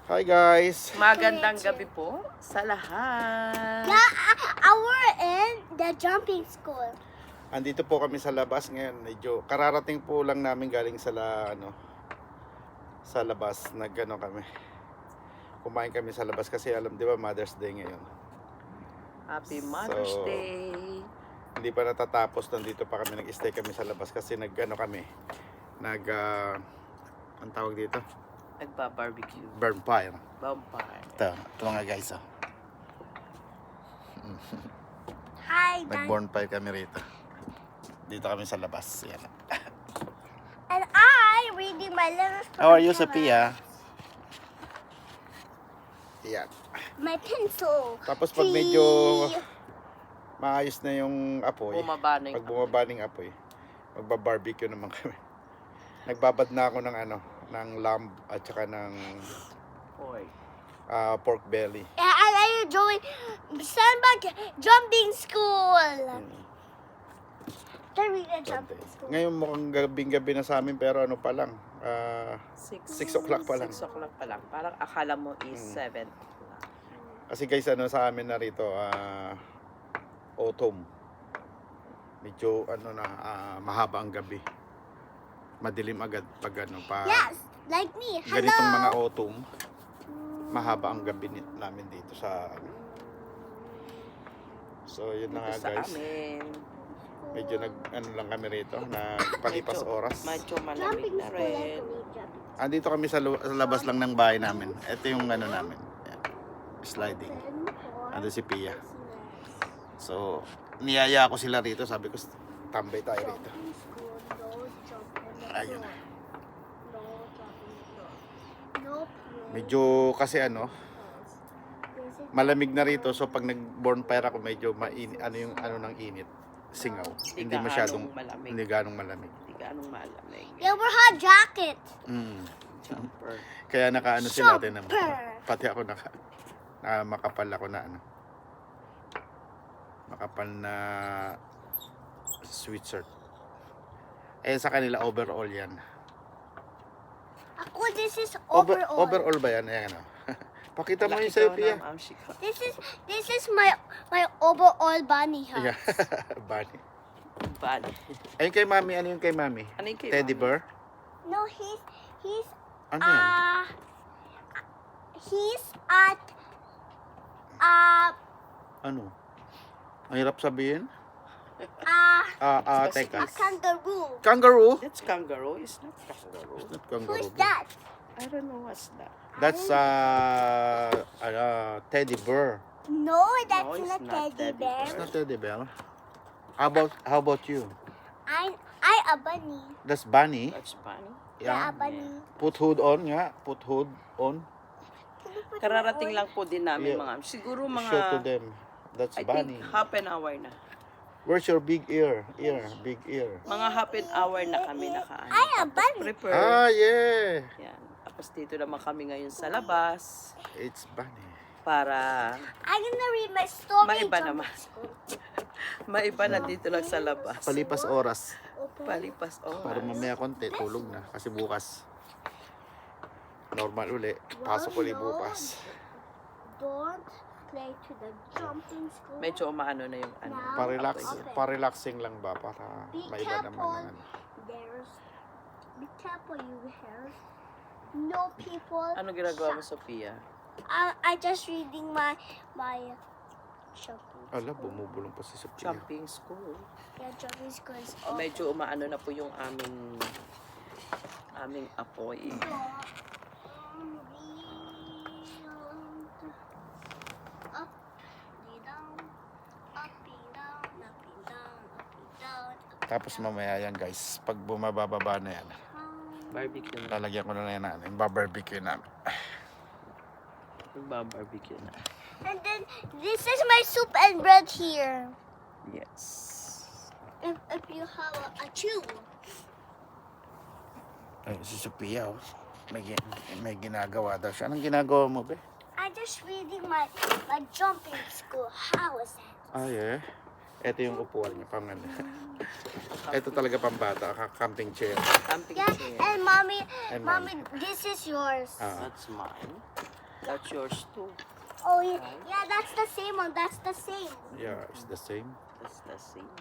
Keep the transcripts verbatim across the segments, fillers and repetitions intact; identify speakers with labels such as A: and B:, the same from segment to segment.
A: Hi guys!
B: Magandang gabi po sa lahat.
C: Yeah, I, we're in the jumping school.
A: Andito po kami sa labas ngayon. Medyo kararating po lang namin galing sa la, ano sa labas. Nagano kami. Kumain kami sa labas kasi alam 'di ba Mother's Day ngayon.
B: Happy Mother's
A: So,
B: Day.
A: Hindi pa natatapos, nandito pa kami, nag-stay kami sa labas kasi nagano kami. Nag uh, ang tawag dito?
B: Nagba-barbecue.
A: Burn fire.
B: Vampire.
A: Ito, ito mga guys oh.
C: Hi, Dan.
A: Nag-burn fire kami rito. Dito kami sa labas. Yan.
C: And I reading my letters. from
A: How are you,
C: my
A: Sophia? Yan.
C: My pencil.
A: Tapos pag medyo maayos na yung apoy,
B: Bumaba na yung
A: pag bumaba ng apoy, magba-barbecue naman kami. Nagbabad na ako ng ano, ng lamb at saka ng
B: Oy.
A: uh, pork belly.
C: Yeah, and I enjoy Sandbag jumping school.
A: Mm.
C: Can we the jumping school?
A: Ngayon mukhang gabing-gabi na sa amin pero ano pa lang, uh,
B: Six.
A: six o'clock pa lang.
B: Six o'clock pa lang. Parang akala mo is
A: Mm.
B: seven.
A: Kasi guys ano sa amin na rito, uh, autumn. Medyo ano na, uh, mahaba ang gabi. Madilim agad pag ano pa.
C: Yes, like me. Hello.
A: Ganitong mga autumn, mahaba ang gabi ni- namin dito sa ano. So yun na
B: Dito
A: nga
B: sa
A: guys.
B: amin.
A: Medyo nag ano lang kami rito, nagpalipas
B: Medyo-
A: oras.
B: Medyo malamig
C: Jumping
B: na
C: school. I
B: rin.
C: can read jumping
A: Andito kami sa, lu- sa labas lang ng bahay namin. Ito yung ano namin. Ayan. Sliding.
C: school.
A: Ando si Pia. So, niyaya ako sila rito. Sabi ko, tambay tayo rito.
C: Jumping school. No jumping.
A: Ayun.
C: No jumping. No play.
A: Medyo kasi ano, malamig na rito. So, pag nag-born fire ako, medyo main, ano yung ano ng init. Singaw. Hindi
B: gaanong
A: masyadong,
B: malamig.
A: hindi ganong malamig.
B: Hindi gaanong malamig.
C: Yeah, we're hot jacket.
A: Mm.
B: Jumper.
A: Kaya nakaano sila natin naman.
C: Super.
A: Pati ako naka, na makapal ako na ano. Makapal na sweatshirt. Eh sa kanila overall yan.
C: Ako, this is
A: Over,
C: overall.
A: overall ba yan? Ayan ano. Pakita mo
B: Laki
A: yung sa'yo,
B: daw
A: Pia.
B: ng amshika.
C: This is this is my my overall bunny hat.
A: Yeah. Bunny.
B: Bunny.
A: Ayun kay Mami. Ano yung kay Mami?
B: Ano yung kay
A: Teddy
B: Mami?
A: bear?
C: No, he's he's
A: Ano yan?
C: uh he's at uh
A: Ano? Ang hirap sabihin?
C: uh
A: Ah, ah,
B: Kasi
A: teka.
C: a kangaroo.
A: Kangaroo?
B: That's kangaroo. It's not kangaroo.
A: Not kangaroo.
C: Who's that?
B: I don't know what's that.
A: That's uh, uh, teddy bear.
C: No, that's
B: No, it's
C: not
B: not
C: teddy
B: teddy
C: bear.
A: It's not teddy bear. How about how about you?
C: I'm I a bunny.
A: That's bunny.
B: That's funny.
C: Yeah,
A: Yeah.
C: a bunny.
A: Put hood on nga. Put hood on.
C: Can you put
B: Kararating
C: my
B: lang po din namin
A: Yeah.
B: mga, siguro
A: Show to
B: mga,
A: them. That's
B: I
A: bunny.
B: think half an hour na.
A: Where's your big ear? Ear, big ear.
B: Mga half an hour na kami nakaano.
C: I a
B: Tapos
C: bunny.
B: prepare.
A: Ah, yeah.
B: Yan. Tapos dito naman kami ngayon sa labas
A: It's bunny.
C: on?
B: para
C: I'm gonna read my story.
B: Maiba
C: jumping
B: naman.
C: school.
B: maiba na dito lang sa labas.
A: Palipas oras.
C: Open.
B: Palipas
A: Para
B: oras.
A: mamaya konti, tulog na. Kasi bukas. Normal uli. Pasok uli bukas.
C: Don't play to the jumping school.
B: Medyo umaano na yung ano.
C: Now,
A: Pa-relax,
C: open.
A: pa-relaxing lang ba? Para
C: Be
A: maiba naman
C: careful.
A: ang ano.
C: There's be careful, you hairs. No people.
B: Ano ginagawa mo, Sophia?
C: I I just reading my my shopping.
A: Ala, bumubulong pa si Sophia.
B: Jumping school.
C: Yeah, jumping school is
B: O,
C: open.
B: medyo umaano na po yung aming aming apoy.
C: Up, down, up, down, up, down, up, down.
A: Tapos mamaya yan guys, pag bumababa na yan,
B: Barbecue na.
A: lalagyan ko na yan na, yung barbecue namin.
B: Magbabarbecue na.
C: And then this is my soup and bread here.
B: Yes.
C: If if you have a, a chew.
A: Ay, si Sophia, oh. May, gi- may ginagawa daw siya. Anong ginagawa mo, be?
C: I just reading my my jumping school. How is that?
A: Ah, yeah. Ito yung upuan niya, pang ano. Ito talaga pambata, ka- camping chair.
B: Camping
C: Yeah,
B: chair.
C: and mommy,
A: And
C: mommy, this is yours.
A: Ah.
B: That's mine. That's yours too.
C: Oh, yeah, yeah, that's the same one. That's the same.
A: Yeah, it's the same.
B: That's the same.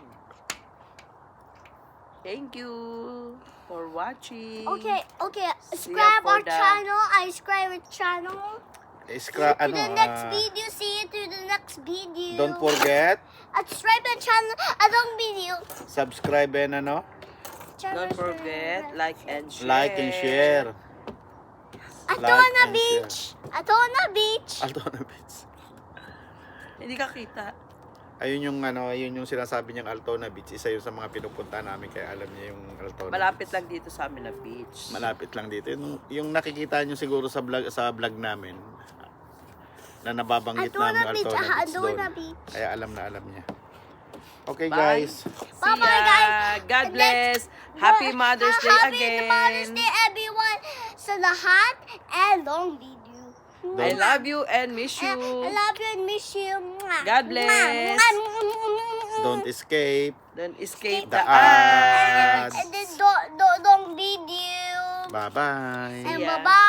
B: Thank you for watching.
C: Okay, okay.
B: See ya
C: Subscribe
B: for
C: our
B: the-
C: channel. I subscribe our channel.
A: Iskra,
C: to
A: ano,
C: the next
A: ah,
C: video. See you to the next video.
A: don't forget,
C: Uh, subscribe our channel. Anong video?
A: subscribe and ano,
B: Don't forget, like and share.
A: like and share.
C: Atona
A: like and
C: Beach. Atona Beach.
A: Altona Beach.
B: Hindi ka kita.
A: Ayun yung ano, ayun yung sinasabi niyang Altona Beach. Isa yun sa mga pinupunta namin kaya alam niya yung Altona
B: Malapit
A: Beach.
B: lang dito sa amin na beach.
A: Malapit lang dito. Yung, yung nakikita niyo siguro sa vlog sa vlog namin na nababanggit namin
C: Atona Beach.
A: Altona
C: Ah,
A: Beach
C: Atona
A: doon.
C: Beach.
A: Kaya alam na alam niya. Okay
B: Bye.
A: guys.
B: See
C: Bye-bye,
B: ya.
C: guys.
B: God
C: And
B: bless.
C: let's-
B: Happy Mother's Day
C: Happy
B: again.
C: Mother's Day, everyone. Sa lahat and long video.
B: I love you and miss you.
C: I love you and miss you. Mwah.
B: God bless.
C: Mwah.
A: Don't escape.
B: Don't escape
A: The
B: the
A: ads.
B: ads.
C: And then don't, don't, don't video.
A: Bye-bye.
C: And
B: ya.
C: bye-bye.